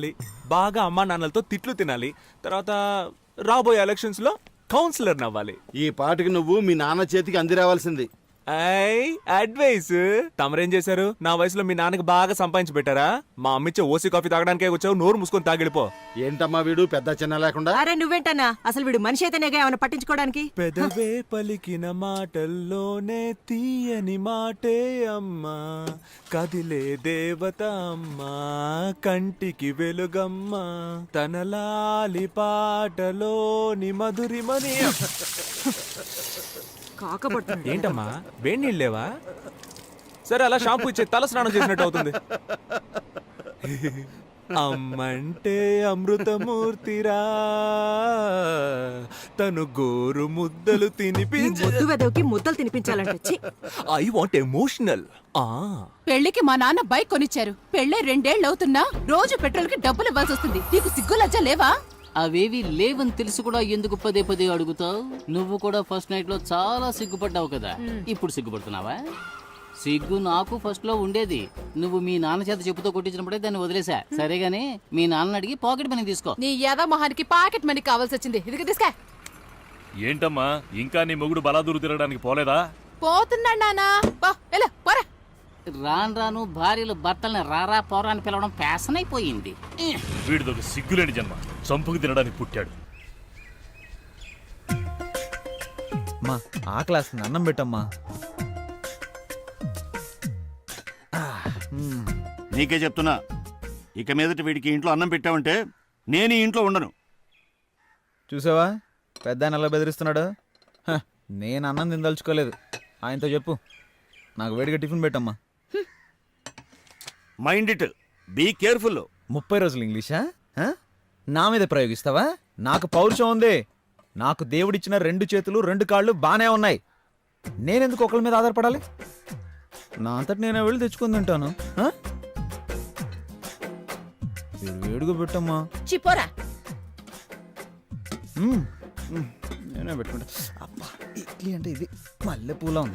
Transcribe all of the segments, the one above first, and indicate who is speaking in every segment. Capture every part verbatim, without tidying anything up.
Speaker 1: బాగా అమ్మా నాన్నలతో తిట్లు తినాలి. తర్వాత రాబోయే ఎలక్షన్స్ లో కౌన్సిలర్ నవ్వాలి.
Speaker 2: ఈ పాటకి నువ్వు మీ నాన్న చేతికి అంది రావాల్సింది.
Speaker 1: I advise. తమరేం చేశారు? నా వయసులో మీ నాన్నకి బాగా సంపాదించి పెట్టారా? మా అమ్మిచ్చే ఓసీ కాఫీ తాగడానికే వచ్చావు, నోరు మూసుకొని తాగిడిపో.
Speaker 2: ఏంటమ్మా వీడు పెద్ద చిన్న లేకుండా?
Speaker 3: అరే నువ్వేంటన్నా, అసలు వీడు మనిషి అయితేనేగా ఏమైనా పట్టించుకోవడానికి.
Speaker 1: పెదవే పలికిన మాటల్లోనే తీయని మాటే అమ్మా, కదిలే దేవత అమ్మా, కంటికి వెలుగమ్మా, తన లాలి పాటలోని మధురిమని.
Speaker 3: కాకపడుతుంది
Speaker 1: ఏంటమ్మా వేడి నీళ్ళు లేవా? సరే అలా షాంపూ ఇచ్చే, తల స్నానం చేసినట్టు అవుతుంది. అమ్మంటే అమృతమూర్తిరా, తను గోరు ముద్దలు తినిపించి
Speaker 3: ముద్దు వెదవికి ముద్దలు తినిపించాలంటే
Speaker 1: ఐ వాంట్ ఎమోషనల్. ఆ
Speaker 4: పెళ్లికి మా నాన్న బైక్ కొనిచ్చారు. పెళ్ళే రెండేళ్లు అవుతున్నా రోజు పెట్రోల్ కి డబ్బులు ఇవ్వాల్సి వస్తుంది. నీకు సిగ్గు లజ్జ లేవా?
Speaker 5: అవేవి లేవని తెలిసి కూడా ఎందుకు పదే పదే అడుగుతావు? నువ్వు కూడా ఫస్ట్ నైట్ లో చాలా సిగ్గుపడ్డావు కదా, ఇప్పుడు సిగ్గుపడుతున్నావా? సిగ్గు నాకు ఫస్ట్ లో ఉండేది. నువ్వు మీ నాన్న చేత చెప్పుతో కొట్టించినప్పుడే దాన్ని వదిలేసా. సరేగాని మీ నాన్న అడిగి పాకెట్ మనీ తీసుకో.
Speaker 4: నీ యాద మొహానికి పాకెట్ మనీ కావాల్సి వచ్చింది. ఇదిగో తీసుకా.
Speaker 6: ఏంటమ్మా ఇంకా నీ మొగుడు బలాదూరు తిరగడానికి పోలేదా?
Speaker 4: పోతున్నాడు నానా. పోరా.
Speaker 5: రాను రాను భార్యలు భర్తల్ని రారా పోరా అని పిలవడం ఫ్యాషన్ అయిపోయింది.
Speaker 6: వీడిదొక సిగ్గులేని జన్మ, చంపుకు తినడానికి పుట్టాడు.
Speaker 7: మా ఆకలేస్తుంది, అన్నం పెట్టమ్మా.
Speaker 2: నీకే చెప్తున్నా, ఇక మీదట వీడికి ఇంట్లో అన్నం పెట్టావంటే నేను ఈ ఇంట్లో ఉండను.
Speaker 7: చూసావా పెద్ద ఆయన ఎలా బెదిరిస్తున్నాడు? హ, నేను అన్నం తినదలుచుకోలేదు. ఆయనతో చెప్పు నాకు వేడిగా టిఫిన్ పెట్టమ్మా.
Speaker 2: Mind it, be careful.
Speaker 7: ముప్పై రోజులు ఇంగ్లీషా? హ? నా మీద ప్రయోగిస్తావా? నాకు పౌరుషం ఉంది. నాకు దేవుడిచ్చిన రెండు చేతులు రెండు కాళ్ళు బానే ఉన్నాయి. నేనెందుకు ఒకళ్ళ మీద ఆధారపడాలి? నా అంతటి నేను వెళ్ళి తెచ్చుకుని తింటాను. హ? వేడిగా పెట్టమ్మా.
Speaker 4: చిపోరా.
Speaker 7: మ్మ్. మ్మ్. నేనే పెట్టుకుంటా. అబ్బా ఇడ్లీ అంటే ఇది మల్లె పూల ఉంది.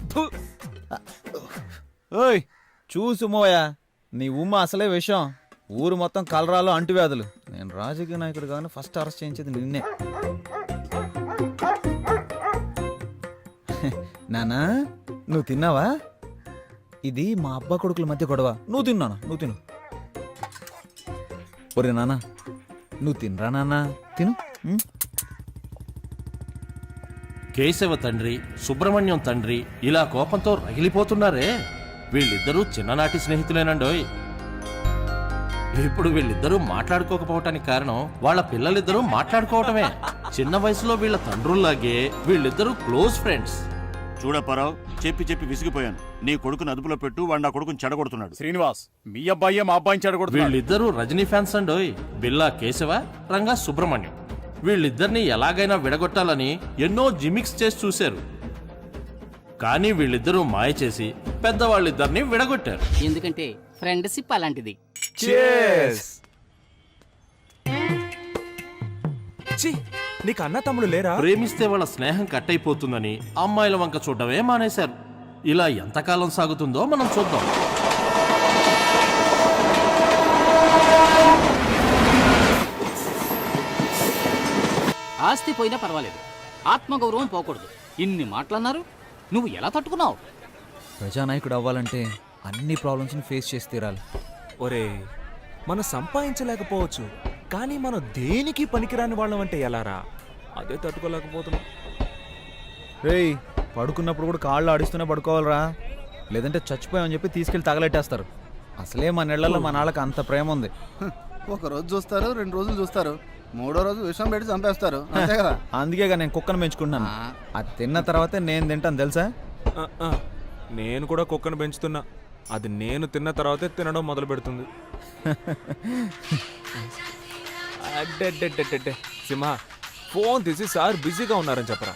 Speaker 7: ఓయ్ చూసు మోయా, నీ ఉమ్మ అసలే విషయం. ఊరు మొత్తం కలరాలు అంటువ్యాధులు. నేను రాజకీయ నాయకుడు కానీ ఫస్ట్ అరెస్ట్ చేయించేది నిన్నే. నానా నువ్వు తిన్నావా? ఇది మా అబ్బా కొడుకుల మధ్య గొడవ. నువ్వు తిన్నానా? నువ్వు తిను. ఒరే నానా నువ్వు తినరా నాన్నా, తిను.
Speaker 8: కేశవ తండ్రి సుబ్రహ్మణ్యం తండ్రి ఇలా కోపంతో రగిలిపోతున్నారే. వీళ్ళిద్దరూ చిన్ననాటి స్నేహితులేనండోయ్. ఇప్పుడు వీళ్ళిద్దరూ మాట్లాడుకోకపోవటానికి కారణం వాళ్ళ పిల్లలిద్దరూ మాట్లాడుకోవటమే. చిన్న వయసులో వీళ్ళ తండ్రుల్లాగే వీళ్ళిద్దరూ క్లోజ్ ఫ్రెండ్స్.
Speaker 2: చూడప్పారావు, చెప్పి చెప్పి విసిగిపోయాను. నీ కొడుకుని అదుపులో పెట్టు, వాడు నా కొడుకుని చెడగొడుతున్నాడు.
Speaker 6: శ్రీనివాస్, మీ అబ్బాయి మా అబ్బాయిని చెడగొడుతున్నాడు.
Speaker 8: వీళ్ళిద్దరూ రజనీ ఫ్యాన్స్ అండోయ్. బిల్లా కేశవ, రంగా సుబ్రహ్మణ్యం. వీళ్ళిద్దరిని ఎలాగైనా విడగొట్టాలని ఎన్నో జిమిక్స్ చేసి చూశారు. కానీ వీళ్ళిద్దరూ మాయ చేసి పెద్దవాళ్ళిద్దరిని విడగొట్టారు.
Speaker 5: ఎందుకంటే ఫ్రెండ్షిప్ అలాంటిది.
Speaker 1: Cheers. ఛీ, నీకు అన్న తమ్ముడు లేరా?
Speaker 8: ప్రేమిస్తే వాళ్ళ స్నేహం కట్ అయిపోతుందని అమ్మాయిల వంక చూడడమే మానేశారు. ఇలా ఎంతకాలం సాగుతుందో మనం చూద్దాం.
Speaker 5: ఆస్తి పోయినా పర్వాలేదు, ఆత్మగౌరవం పోకూడదు. ఇన్ని మాటలన్నారు, నువ్వు ఎలా తట్టుకున్నావు?
Speaker 7: ప్రజానాయకుడు అవ్వాలంటే అన్ని ప్రాబ్లమ్స్ని ఫేస్ చేసి తీరాలి.
Speaker 1: ఒరే, మనం సంపాదించలేకపోవచ్చు, కానీ మనం దేనికి పనికిరాని వాళ్ళం అంటే ఎలారా? అదే తట్టుకోలేకపోతున్నాం.
Speaker 7: రేయ్ పడుకున్నప్పుడు కూడా కాళ్ళు ఆడిస్తూనే పడుకోవాలరా, లేదంటే చచ్చిపోయామని చెప్పి తీసుకెళ్ళి తగలెట్టేస్తారు. అసలే మన ఇళ్లలో మన వాళ్ళకి అంత ప్రేమ ఉంది.
Speaker 9: ఒక రోజు చూస్తారు, రెండు రోజులు చూస్తారు, మూడో రోజు విషం పెట్టి చంపేస్తారు, అంతే కదా.
Speaker 7: అందుకేగా నేను కుక్కను పెంచుకుంటున్నాను. అది తిన్న తర్వాతే నేను తింటాను తెలుసా.
Speaker 1: ఆ, ఆ, నేను కూడా కుక్కను పెంచుతున్నా. అది నేను తిన్న తర్వాతే తినడం మొదలు పెడుతుంది. అడ్డెడ్డెడ్డెడ్డె సింహ, ఫోన్ తీసి సార్ బిజీగా ఉన్నారని చెప్పరా.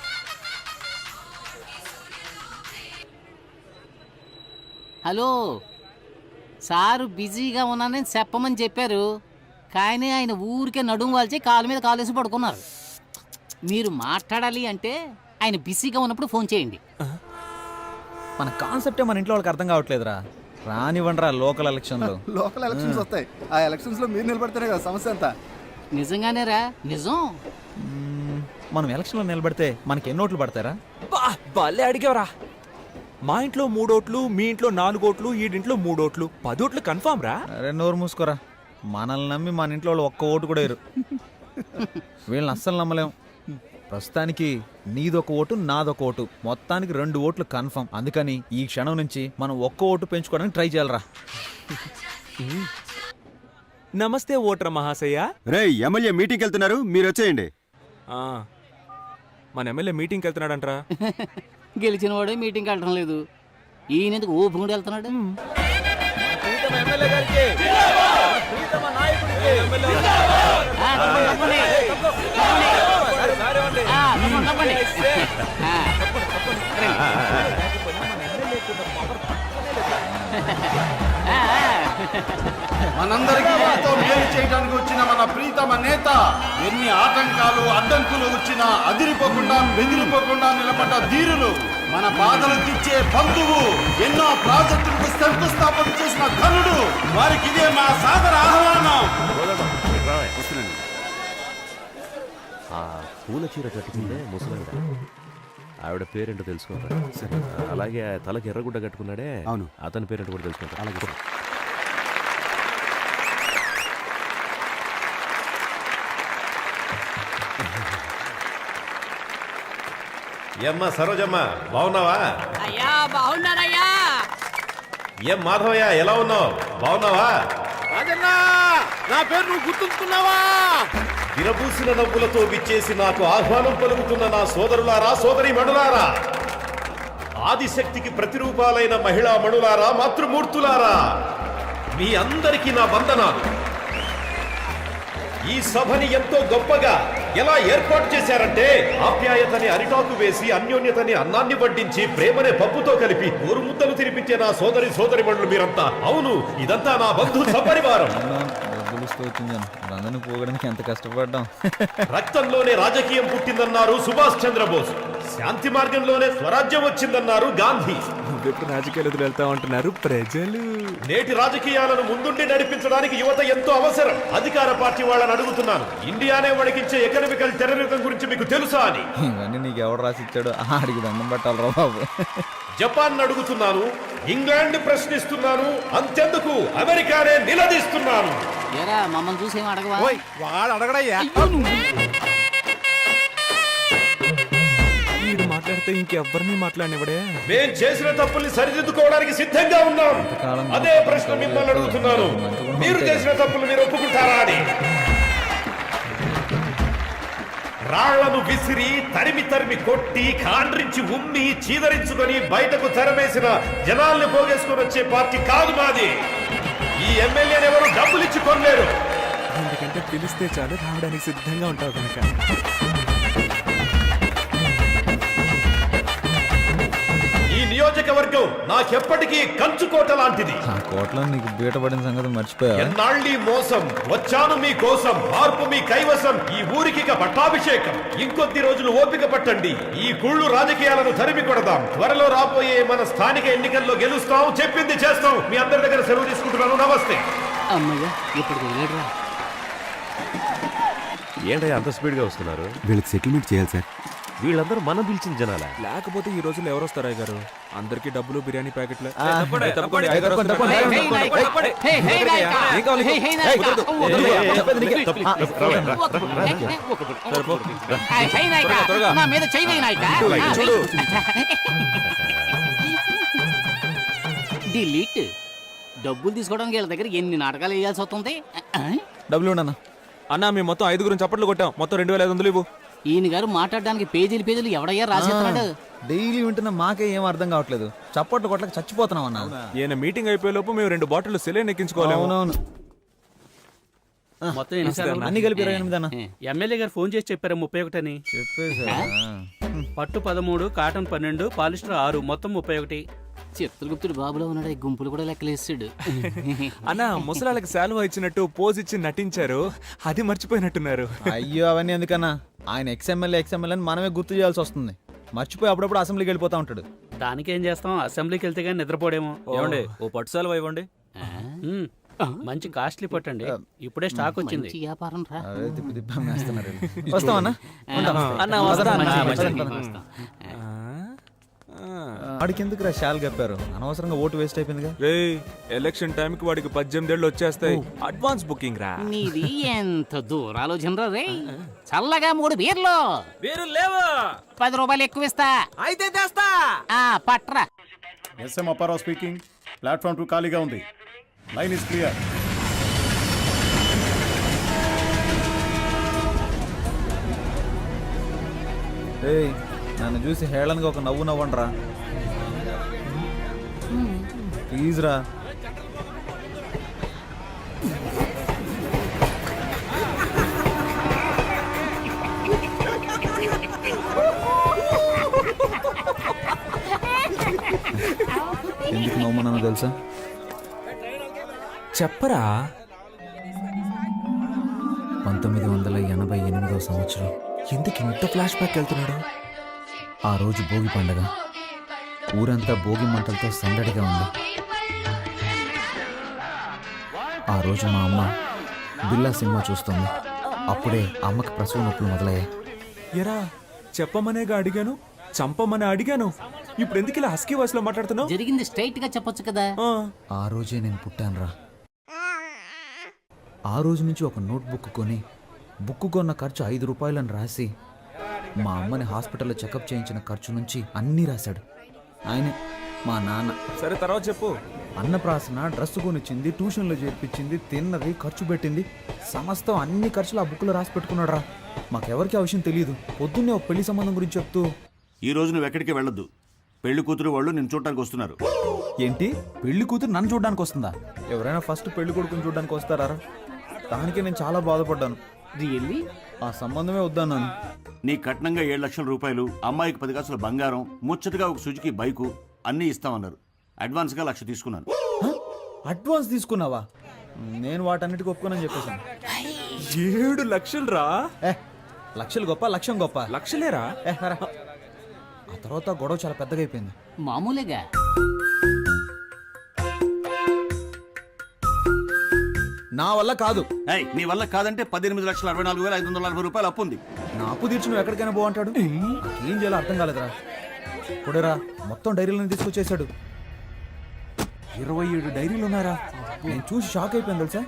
Speaker 5: హలో సారు, బిజీగా ఉన్నానని చెప్పమని చెప్పారు, కానీ ఆయన ఊరికే నడుము వాల్చి కాలు మీద కాలేసి పడుకున్నారు. మీరు మాట్లాడాలి అంటే ఆయన బిజీగా ఉన్నప్పుడు ఫోన్ చేయండి.
Speaker 7: మన కాన్సెప్టే మన ఇంట్లో వాళ్ళకి అర్థం కావట్లేదురా. రానివ్వండి రా లోకల్ ఎలక్షన్లో.
Speaker 9: లోకల్ ఎలక్షన్స్ వస్తాయి, ఆ ఎలక్షన్స్ లో మీరు నిలబడితేనే కదా సమస్య అంతా.
Speaker 5: నిజంగానేరా నిజం.
Speaker 7: మ్మ్, మనం ఎలక్షన్లో నిలబడితే మనకి ఎన్ని ఓట్లు పడతారా?
Speaker 1: బా భలే అడిగావరా. మా ఇంట్లో మూడోట్లు, మీ ఇంట్లో నాలుగోట్లు, ఈడింట్లో మూడోట్లు, పదోట్లు కన్ఫామ్ రా.
Speaker 7: అరే నోరు మూసుకోరా. మనల్ని నమ్మి మన ఇంట్లో వాళ్ళు ఒక్క ఓటు కూడా వేరు. వీళ్ళని అస్సలు నమ్మలేం. ప్రస్తుతానికి నీదొక ఓటు, నాదొక ఓటు, మొత్తానికి రెండు ఓట్లు కన్ఫర్మ్. అందుకని ఈ క్షణం నుంచి మనం ఒక్క ఓటు పెంచుకోవడానికి ట్రై చేయాలరా.
Speaker 1: నమస్తే ఓటర్ మహాశయ.
Speaker 10: రే ఎమ్మెల్యే మీటింగ్కి వెళ్తున్నారు, మీరు వచ్చేయండి.
Speaker 1: ఆ, మన ఎమ్మెల్యే మీటింగ్కి వెళ్తున్నాడంట్రా.
Speaker 5: గెలిచిన వాడే మీటింగ్కి వెళ్ళడం లేదు, ఈయన ఎందుకు ఊపుకుంటూ వెళ్తున్నాడు? ఆ, తప్పండి, తప్పండి. ఆ, తప్పండి, తప్పండి. ఆ. ఆ, ఆ.
Speaker 11: మనందరికీ ఎంతో మేలు చేయడానికి వచ్చిన మన ప్రీతమ నేత ఎన్ని ఆటంకాలు అడ్డంకులు వచ్చినా అదిరిపోకుండా బెదిరిపోకుండా నిలబడ్డ ధీరులు, మన బాధలు తీర్చే బంధువు, ఎన్నో ప్రాజెక్టులకు శంకుస్థాపన చేసిన ధనుడు, వారికి ఇదే మా సాదర ఆహ్వానం.
Speaker 12: పూల చీర కట్టుకుందే ముసలావిడ, ఆవిడ పేరేంటో తెలుసుకుంటా. అలాగే తలకి ఎర్రగుడ్డ కట్టుకున్నాడే,
Speaker 10: అవును,
Speaker 12: అతని పేరేంటో కూడా తెలుసుకుంటా. అలాగే
Speaker 11: ఏమ్మా సరోజమ్మ, బాగున్నావా?
Speaker 4: అయ్యా బాగున్నారయ్యా.
Speaker 11: ఏం మాధవయ్య, ఎలా ఉన్నావు? బాగున్నావా?
Speaker 8: నా పేరు నువ్వు గుర్తుంచుకున్నావా?
Speaker 11: విరబూసిన నవ్వులతో విచ్చేసి నాకు ఆహ్వానం పలుకుతున్న నా సోదరులారా, సోదరి మణులారా, ఆదిశక్తికి ప్రతిరూపాలైన మహిళా మణులారా, మాతృమూర్తులారా, మీ అందరికీ నా వందనాలు. ఈ సభని ఎంతో గొప్పగా ఎలా ఏర్పాటు చేశారంటే, ఆప్యాయతని అరిటాకు వేసి, అన్యోన్యతని అన్నాన్ని వడ్డించి, ప్రేమనే పప్పుతో కలిపి ఊరు ముద్దలు తినిపించే నా సోదరి సోదరి మండలు మీరంతా. అవును, ఇదంతా నా బంధు సపరివారం.
Speaker 7: అందరిని పోగడానికి ఎంత కష్టపడ్డాం.
Speaker 11: రక్తంలోనే రాజకీయం పుట్టిందన్నారు సుభాష్ చంద్రబోస్, శాంతి మార్గంలోనే స్వరాజ్యం వచ్చిందన్నారు గాంధీ.
Speaker 1: నువ్వెప్పుడు రాజకీయాలు వెళ్తా ఉంటున్నారు ప్రజలు.
Speaker 11: నేటి రాజకీయాలను ముందుండి నడిపించడానికి యువత ఎంతో అవసరం. అధికార పార్టీ వాళ్ళని అడుగుతున్నాను, ఇండియానే వణికించే ఎకనామికల్ టెర్రరిజం గురించి మీకు తెలుసా అని.
Speaker 7: ఇవన్నీ నీకు ఎవడు రాసిచ్చాడు? ఆడికి దండం పెట్టాలరా బాబు.
Speaker 11: జపాన్ అడుగుతున్నాను, ఇంగ్లాండ్ ప్రశ్నిస్తున్నాను, అంతెందుకు అమెరికానే నిలదీస్తున్నాను.
Speaker 5: ఏరా మమ్మల్ని చూసి ఏం అడగవా?
Speaker 8: వాడు అడగడయ్యా.
Speaker 1: వీడు మాట్లాడితే ఇంకెవ్వరిని మాట్లాడినవడే.
Speaker 11: మేం చేసిన తప్పుల్ని సరిదిద్దుకోవడానికి సిద్ధంగా ఉన్నాం. అదే ప్రశ్న మిమ్మల్ని అడుగుతున్నాను, మీరు చేసిన తప్పులు మీరు ఒప్పుకుంటారా అని. రాళ్లను విసిరి, తరిమి తరిమి కొట్టి, కాండ్రించి ఉమ్మి, చీదరించుకొని బయటకు తెరమేసిన జనాల్ని పోగేసుకొని వచ్చే పార్టీ కాదు మాది. ఈ ఎమ్మెల్యేని ఎవరు డబ్బులు ఇచ్చి కొనలేరు.
Speaker 1: ఎందుకంటే పిలిస్తే చాలు రావడానికి సిద్ధంగా ఉంటావు కనుక.
Speaker 11: ఈ నియోజకవర్గం నాకెప్పటికీ కంచుకోట లాంటిది.
Speaker 7: ఆ కోట్లో నీకు బీట పడిన సంగతి మర్చిపోయా.
Speaker 11: ఎన్నాళ్ళీ మోసం, వచ్చాను మీ కోసం, మార్పు మీ కైవసం, ఈ ఊరికి పట్టాభిషేకం. ఇంకొద్ది రోజులు ఓపిక పట్టండి, ఈ కుళ్ళు రాజకీయాలను తరిమి కొడదాం. త్వరలో రాబోయే మన స్థానిక ఎన్నికల్లో గెలుస్తాం, చెప్పింది చేస్తాం. మీ అందరి దగ్గర సెలవు తీసుకుంటున్నాను. నమస్తే.
Speaker 5: అమ్మయ్య, ఇప్పుడు వెళ్ళాడురా.
Speaker 12: ఏంటయ్యా అంత స్పీడ్గా వస్తున్నారు?
Speaker 10: వీళ్ళకి సెటిల్మెంట్ చేయాలి సార్.
Speaker 12: వీళ్ళందరూ మనం పిలిచిన జనాలా?
Speaker 1: లేకపోతే ఈ రోజుల్లో ఎవరు వస్తారా గారు? అందరికి డబ్బులు, బిర్యానీ ప్యాకెట్లు.
Speaker 7: ఆ, తప్పండి, తప్పండి, తప్పండి, తప్పండి, తప్పండి.
Speaker 5: హే, హే, నాయకా. హే, హే, నాయకా.
Speaker 1: ఏం కావాలి?
Speaker 5: హే, హే, నాయకా.
Speaker 1: కుదరదు.
Speaker 5: వద్దు,
Speaker 7: ఏ, ఏ,
Speaker 5: వద్దు.
Speaker 7: చెప్పేది నీకే.
Speaker 5: ప్లీజ్,
Speaker 7: ఆ,
Speaker 5: ప్లీజ్.
Speaker 7: రా,
Speaker 5: హే, హే,
Speaker 1: సరిపో.
Speaker 5: హే, హే, నాయకా.
Speaker 1: త్వరగా, త్వరగా.
Speaker 5: నా మీద చెయ్యి వేయి, నాయకా.
Speaker 1: చూడు.
Speaker 5: డిలీట్. డబ్బులు తీసుకోవడానికి వీళ్ళ దగ్గర ఎన్ని నాటకాలు వేయాల్సి వస్తుంది.
Speaker 7: డబ్బులు ఉండన్నా.
Speaker 1: అన్నా మేము మొత్తం ఐదుగురం చప్పట్లు కొట్టాం. మొత్తం రెండు వేల ఐదు వందలు ఇవ్వు.
Speaker 5: ఈయన గారు మాట్లాడడానికి పేజీలు పేజీలు ఎవడయ్యా రాసేస్తున్నాడు?
Speaker 7: డైలీ వింటున్న మాకే ఏం అర్థం కావట్లేదు. చప్పట్లు కొట్లకి చచ్చిపోతున్నాం అన్న.
Speaker 1: ఈయన మీటింగ్ అయిపోయే లోపు మేము రెండు బాటిల్ సెలైన్ ఎక్కించుకోవాలి.
Speaker 7: అవునవును.
Speaker 5: మొత్తం ఎన్ని సార్లు?
Speaker 7: అన్ని కలిపి ఇరవై ఎనిమిది అన్న.
Speaker 13: ఎమ్మెల్యే గారు ఫోన్ చేసి చెప్పారు ముప్పై ఒకటి అని.
Speaker 7: చెప్పేసా?
Speaker 13: పట్టు పదమూడు, కాటన్ పన్నెండు, పాలిస్టర్ ఆరు, మొత్తం ముప్పై ఒకటి.
Speaker 5: చిత్రగుప్తుడు బాబులో ఉన్నాడు, ఈ గుంపులు కూడా లెక్కలేసాడు.
Speaker 1: అన్న ముసలాళ్ళకి శాలువా ఇచ్చినట్టు పోజ్ ఇచ్చి నటించారు, అది మర్చిపోయినట్టున్నారు.
Speaker 7: అయ్యో అవన్నీ ఎందుకన్నా? ఆయన ఎక్స్ఎమ్మెల్యే ఎక్స్ఎమ్మెల్యే అని మనమే గుర్తు చేయాల్సి వస్తుంది. మర్చిపోయి అప్పుడప్పుడు అసెంబ్లీకి వెళ్ళిపోతా ఉంటాడు.
Speaker 13: దానికేం చేస్తాం, అసెంబ్లీకి వెళ్తే కానీ నిద్రపోడేమో.
Speaker 7: ఏమండి ఓ పట్టు సెలవు ఇవ్వండి.
Speaker 13: మ్మ్. మంచి కాస్ట్లీ పట్టండి, ఇప్పుడే స్టాక్ వచ్చింది.
Speaker 5: మంచి వ్యాపారం రా.
Speaker 7: అదే తిప్పి తిప్పి అమ్మేస్తున్నారు వీళ్ళు. వస్తామన్నా
Speaker 1: అన్న వస్తా అన్న.
Speaker 5: మంచిది, వస్తాం.
Speaker 7: వాడికి ఎందుకు రా షాల్ కప్పారు, అనవసరంగా ఓటు వేస్ట్ అయిపోయిందిగా.
Speaker 1: రే ఎలక్షన్ టైం కి వాడికి పద్దెనిమిది ఏళ్ళు వచ్చేస్తాయి. అడ్వాన్స్ బుకింగ్ రా.
Speaker 5: నీది ఎంత దూరాలోచన రే. చల్లగా మూడు బీర్లు
Speaker 1: వేరు లేవా?
Speaker 5: పది రూపాయలు ఎక్కువ ఇస్తా.
Speaker 1: అయితే తెస్తా.
Speaker 5: ఆ, పట్రా.
Speaker 11: S M Apparao speaking. Platform two ఖాళీగా ఉంది. Line is clear.
Speaker 7: ఏయ్ నన్ను చూసి హేళనగా ఒక నవ్వు నవ్వండి రా ప్లీజ్ రా. ఎందుకు నవ్వుమన్నానో తెలుసా?
Speaker 1: చెప్పరా.
Speaker 7: పంతొమ్మిది వందల ఎనభై ఎనిమిదో సంవత్సరం.
Speaker 1: ఎందుకు ఇంత ఫ్లాష్ బ్యాక్ వెళ్తున్నాడు?
Speaker 7: ఆ రోజు భోగి పండగ. ఊరంతా భోగి మంటలతో సందడిగా ఉంది. ఆ రోజు మా అమ్మ బిల్లా సినిమా చూస్తుంది. అప్పుడే అమ్మకి ప్రసవ నొప్పులు మొదలయ్యాయి.
Speaker 1: ఎరా చెప్పమనేగా అడిగాను, చంపమని అడిగాను. ఇప్పుడు ఎందుకు ఇలా హస్కీ వాయిస్ లో మాట్లాడుతున్నావు?
Speaker 5: జరిగింది స్ట్రైట్ గా చెప్పొచ్చు కదా.
Speaker 7: ఆ రోజే నేను పుట్టాను రా. ఆ రోజు నుంచి ఒక నోట్ బుక్ కొని బుక్ కొన్న ఖర్చు ఐదు రూపాయలని రాసి మా అమ్మని హాస్పిటల్లో చెకప్ చేయించిన ఖర్చు నుంచి అన్నీ రాశాడు ఆయనే, మా నాన్న.
Speaker 1: సరే తర్వాత చెప్పు.
Speaker 7: అన్నప్రాసన, డ్రెస్ కొనిచ్చింది, ట్యూషన్లో చేర్పించింది, తిన్నది, ఖర్చు పెట్టింది, సమస్తం అన్ని ఖర్చులు ఆ బుక్లో రాసి పెట్టుకున్నాడు రా. మాకెవరికి ఆ విషయం తెలియదు. పొద్దున్నే ఒక పెళ్లి సంబంధం గురించి చెప్తూ,
Speaker 2: ఈ రోజు నువ్వు ఎక్కడికి వెళ్ళొద్దు. పెళ్లి కూతురు వాళ్ళు నిన్ను చూడటానికి వస్తున్నారు.
Speaker 7: ఏంటి పెళ్లి కూతురు నన్ను చూడడానికి వస్తుందా? ఎవరైనా ఫస్ట్ పెళ్లి కొడుకుని చూడడానికి వస్తారా? దానికి నేను చాలా బాధపడ్డాను.
Speaker 5: రియల్లీ?
Speaker 7: ఆ సంబంధమే వద్దన్నాను.
Speaker 2: నీ కట్నంగా ఏడు లక్షల రూపాయలు, అమ్మాయికి పది కాసుల బంగారం, ముచ్చటగా ఒక సుజుకి బైకు అన్నీ ఇస్తామన్నారు. అడ్వాన్స్గా లక్ష తీసుకున్నాను.
Speaker 7: అడ్వాన్స్ తీసుకున్నావా? నేను వాటన్నిటికి ఒప్పుకోనని చెప్పేశాను.
Speaker 1: ఏడు లక్షలు రా.
Speaker 7: ఏ లక్షలు గొప్ప, లక్ష్యం గొప్ప.
Speaker 1: లక్షలేరా?
Speaker 7: ఏ రా. ఆ తర్వాత గొడవ చాలా పెద్దగా అయిపోయింది.
Speaker 5: మామూలుగా
Speaker 7: నా వల్ల కాదు.
Speaker 2: ఏయ్, నీ వల్ల కాదంటే పద్దెనిమిది లక్షల అరవై నాలుగు వేల ఐదు వందల నలభై రూపాయలు అప్పు ఉంది.
Speaker 7: నా అప్పు తీర్చి నువ్వు ఎక్కడికైనా పో అంటాడు. ఏం చేయాలో అర్థం కాలేదురా. ఇప్పుడేరా మొత్తం డైరీలను తీసుకొచ్చేసాడు.
Speaker 1: ఇరవై ఏడు డైరీలు ఉన్నారా?
Speaker 7: నేను చూసి షాక్ అయిపోయాను తెలుసా.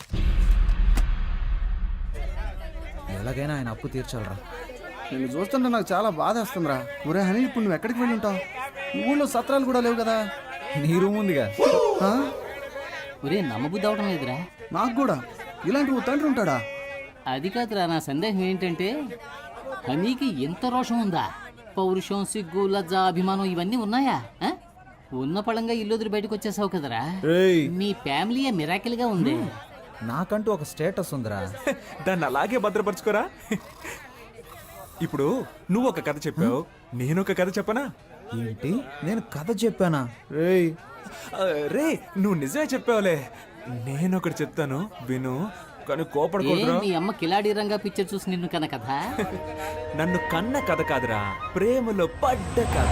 Speaker 7: ఎలాగైనా ఆయన అప్పు తీర్చాలరా.
Speaker 9: నేను చూస్తుంటే నాకు చాలా బాధ వస్తుందిరా. ఒరే హనీ, ఇప్పుడు నువ్వు ఎక్కడికి వెళ్ళి ఉంటావు? ఊళ్ళో సత్రాలు కూడా లేవు కదా.
Speaker 7: నీ రూమ్ ఉందిగా.
Speaker 9: ఆ?
Speaker 5: ఒరే నమ్మబుద్ధి అవడం లేదురా.
Speaker 9: నాకు కూడా ఇలాంటి ఓ తండ్రి ఉంటాడా?
Speaker 5: అది కాదురా, నా సందేహం ఏంటంటే హనీకి ఎంత రోషం ఉందా? పౌరుషం, సిగ్గు, లజ్జ, అభిమానం ఇవన్నీ ఉన్నాయా? ఆ? ఉన్న పళంగా ఇల్లు వదిలి బయటకు వచ్చేసావు కదరా. మీ ఫ్యామిలీ మిరాకిల్ గా ఉంది.
Speaker 7: నాకంటూ ఒక స్టేటస్ ఉందిరా.
Speaker 1: దాన్ని అలాగే భద్రపరచుకోరా. ఇప్పుడు నువ్వు ఒక కథ చెప్పావు, నేను ఒక కథ చెప్పనా?
Speaker 7: ఏంటి నేను కథ చెప్పానా? రేయ్
Speaker 1: రే నువ్వు నిజమే చెప్పావులే. నేను ఒకటి చెప్తాను విను, కానీ
Speaker 5: ఏ,
Speaker 1: కోపడకూడదురా.
Speaker 5: మీ అమ్మ కిలాడి రంగా పిక్చర్ చూసి నిన్ను కన కదా.
Speaker 1: నన్ను కన్న కథ కాదురా, ప్రేమలో పడ్డ కథ.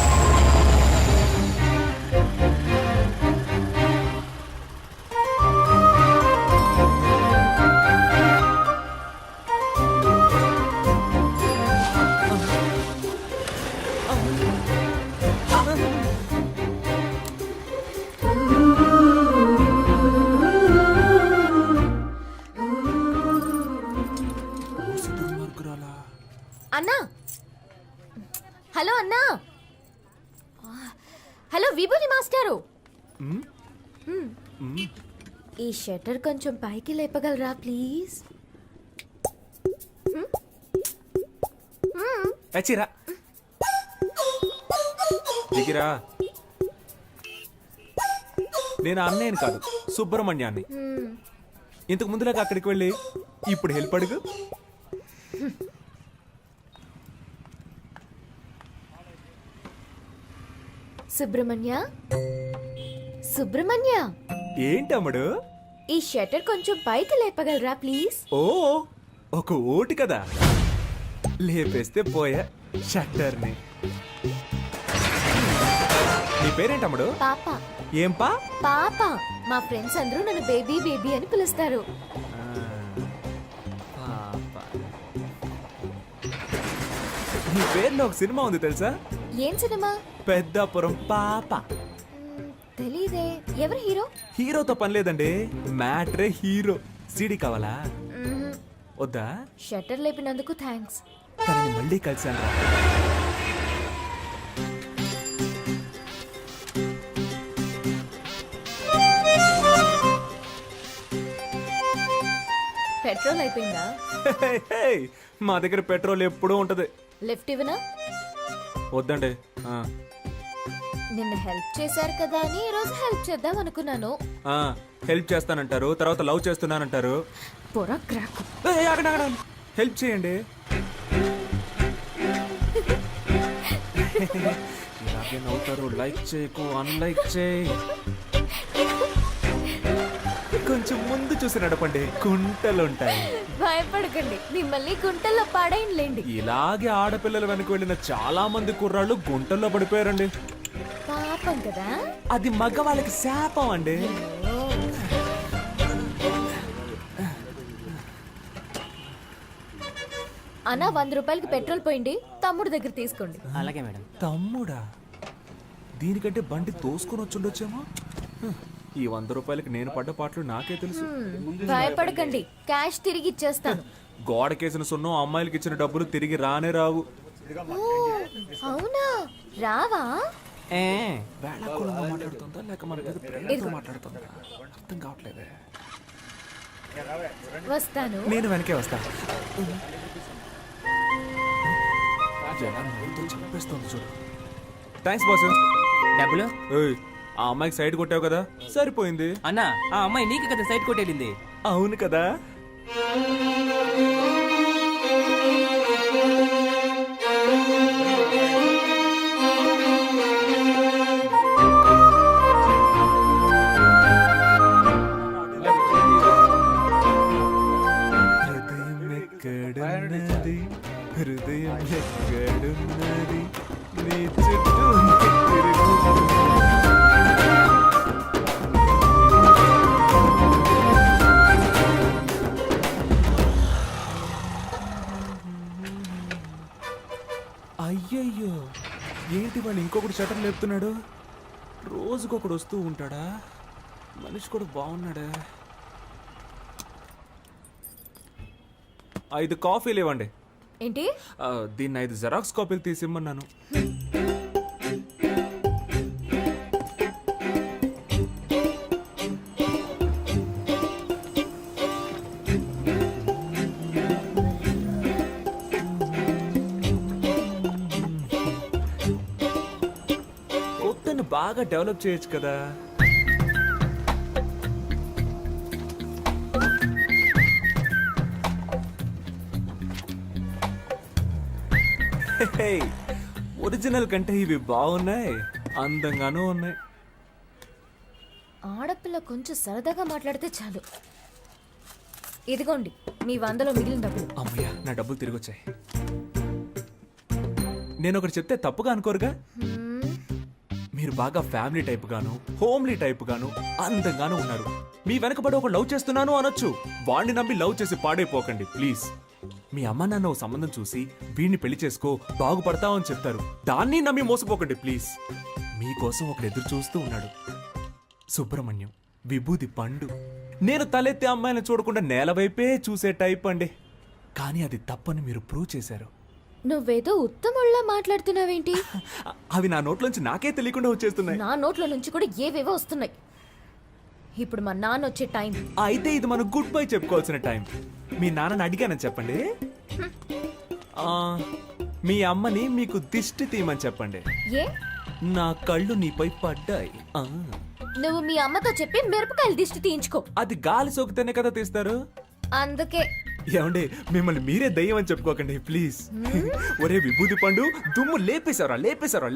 Speaker 14: అన్నా, హలో అన్నా. హలో విభూతి మాస్టారు, ఈ షట్టర్ కొంచెం పైకి లేపగలరా ప్లీజ్?
Speaker 1: చచ్చిరా దిగిరా. నేను అన్నయ్యని కాదు, సుబ్రహ్మణ్యాన్ని. ఇంతకు ముందులాగా అక్కడికి వెళ్ళి ఇప్పుడు హెల్ప్ అడుగు.
Speaker 14: సుబ్రహ్మణ్య, సుబ్రహ్మణ్య,
Speaker 1: ఏంటమ్ముడు?
Speaker 14: ఈ షట్టర్ కొంచెం పైకి లేపగలరా ప్లీజ్?
Speaker 1: ఓ ఒక ఓటు కదా, లేపేస్తే పోయా షట్టర్ని. నీ పేరేంటి తమ్ముడు?
Speaker 14: పాప
Speaker 1: ఏం పా?
Speaker 14: పాప మా ఫ్రెండ్స్ అందరూ నన్ను బేబీ బేబీ అని పిలుస్తారు.
Speaker 1: పాప. నీ పేరులో ఒక సినిమా ఉంది తెలుసా?
Speaker 14: ఏం సినిమా?
Speaker 1: పెద్దాపురం పాప.
Speaker 14: మ్, తెలీదే. ఎవరు హీరో?
Speaker 1: హీరోతో పని లేదండి, మ్యాట్రే హీరో. సీడీ కావాలా?
Speaker 14: మ్మ్.
Speaker 1: వద్దా?
Speaker 14: షట్టర్ లేపినందుకు థ్యాంక్స్.
Speaker 1: తనని మళ్ళీ కలిసాను.
Speaker 14: పెట్రోల్ అయిపోయిందా?
Speaker 1: హే, హే, మా దగ్గర పెట్రోల్ ఎప్పుడూ ఉంటది.
Speaker 14: లిఫ్ట్ ఇవ్వనా?
Speaker 1: వద్దండి. ఆ,
Speaker 14: నిన్న హెల్ప్ చేశారు కదా అని ఈ రోజు హెల్ప్ చేద్దాం అనుకున్నాను.
Speaker 1: ఆ, హెల్ప్ చేస్తానంటారు, తర్వాత లవ్ చేస్తున్నానంటారు.
Speaker 14: పొర క్రాక్.
Speaker 1: ఏయ్, ఆగండి, ఆగండి. హెల్ప్ చేయండి. ఇలాగే నవ్వుతారు. లైక్ చేయకు, అన్లైక్ చేయి. కొంచెం ముందు చూసి నడపండి, కుంటలుంటాయి.
Speaker 14: భయపడకండి, మిమ్మల్ని గుంటల్లో పాడైనలేండి.
Speaker 1: ఇలాగే ఆడపిల్లల వెనక వెళ్ళిన చాలా మంది కుర్రాళ్ళు గుంటల్లో పడిపోయారండి.
Speaker 14: పాపం కదా.
Speaker 1: అది మగవాళ్ళకి శాపం అండి.
Speaker 14: అన్న వంద రూపాయలకి పెట్రోల్ పోయింది, తమ్ముడు దగ్గర తీసుకోండి.
Speaker 5: అలాగే మేడం.
Speaker 1: తమ్ముడా? దీనికంటే బండి తోసుకొని వచ్చుండొచ్చేమో. హ్, ఈ వంద రూపాయలకి నేను పడ్డ పాటలు నాకే తెలుసు.
Speaker 14: భయపడకండి, క్యాష్ తిరిగి ఇచ్చేస్తాను.
Speaker 1: గోడకేసిన సున్నం అమ్మాయిలకి ఇచ్చిన డబ్బులు తిరిగి రానే రావు.
Speaker 14: ఓ, అవునా? రావా?
Speaker 1: ఏ వేళాకోళంగా మాట్లాడుతుందా లేక మన మీద ప్రేమతో మాట్లాడుతుందా అర్థం కావట్లేదే.
Speaker 14: వస్తాను.
Speaker 1: నేను వెనకే వస్తా. జనం నవ్వుతూ చంపేస్తుంది చూడు. Thanks boss.
Speaker 5: డబ్బులు?
Speaker 1: ఏయ్, ఆ అమ్మాయికి సైడ్ కొట్టావు కదా, సరిపోయింది.
Speaker 5: అన్నా, ఆ అమ్మాయి నీకు కదా సైడ్ కొట్టేళ్ళింది.
Speaker 1: అవును కదా. హృదయం ఎక్కడున్నది, హృదయం ఎక్కడున్నది, నీ చుట్టూ తిరుగుతున్నది. అయ్యయ్యో, ఏంటి వాళ్ళు ఇంకొకటి షటర్ లేపుతున్నాడు? రోజుకొకడు వస్తూ ఉంటాడా? మనిషి కూడా బాగున్నాడా? ఐదు కాఫీలు ఇవ్వండి.
Speaker 14: ఏంటి?
Speaker 1: ఆ, దీన్ని ఐదు జెరాక్స్ కాపీలు తీసిమ్మన్నాను. కొత్తను బాగా డెవలప్ చేయొచ్చు కదా. హే, ఒరిజినల్ కంటే ఇవి బాగున్నాయి, అందంగానూ ఉన్నాయి.
Speaker 14: ఆడపిల్ల కొంచెం సరదాగా మాట్లాడితే చాలు. ఇదిగోండి మీ వందలో మిగిలిన డబ్బులు.
Speaker 1: అమ్మయ్యా, నా డబ్బులు తిరిగి వచ్చాయి. నేను ఒకటి చెప్తే తప్పుగా అనుకోరుగా?
Speaker 14: హ్మ్,
Speaker 1: మీరు బాగా ఫ్యామిలీ టైప్ గాను, హోమ్లీ టైప్ గాను, అందంగాను ఉన్నారు. మీ వెనకబడి ఒక లవ్ చేస్తున్నాను అనొచ్చు. వాణ్ణి నమ్మి లవ్ చేసి పాడైపోకండి ప్లీజ్. మీ అమ్మ నాన్న ఓ సంబంధం చూసి వీడిని పెళ్లి చేసుకో బాగుపడతావని చెప్తారు. దాన్ని నమ్మి మోసపోకండి ప్లీజ్. మీకోసం ఒకడు ఎదురు చూస్తూ ఉన్నాడు. సుబ్రహ్మణ్యం, విభూది పండు. నేను తలెత్తే అమ్మాయిని చూడకుండా నేల వైపే చూసే టైప్ అండి. కానీ అది తప్పని మీరు ప్రూవ్ చేశారు.
Speaker 14: నువ్వేదో ఉత్తముళ్ళ మాట్లాడుతున్నావేంటి?
Speaker 1: అవి నా నోట్లోంచి నాకే తెలియకుండా వచ్చేస్తున్నాయి.
Speaker 14: నా నోట్ల నుంచి కూడా ఏవేవో వస్తున్నాయి. ఇప్పుడు మా నాన్న వచ్చే టైం.
Speaker 1: అయితే ఇది మనం గుడ్ బై చెప్పుకోవాల్సిన టైం. మీ నాన్నని అడిగానని చెప్పండి. ఆ, మీ అమ్మని మీకు దిష్టి తీయమని చెప్పండి.
Speaker 14: ఏ?
Speaker 1: నా కళ్ళు నీపై పడ్డాయి. ఆ,
Speaker 14: నువ్వు మీ అమ్మతో చెప్పి మిరపకాయలు దిష్టి తీయించుకో.
Speaker 1: అది గాలి సోకితేనే కదా తీస్తారు.
Speaker 14: అందుకే
Speaker 1: ఏమండి, మిమ్మల్ని మీరే దయ్యం అని చెప్పుకోకండి ప్లీజ్. ఒరే విభూది పండు, దుమ్ము లేపేశారా లేపేశారా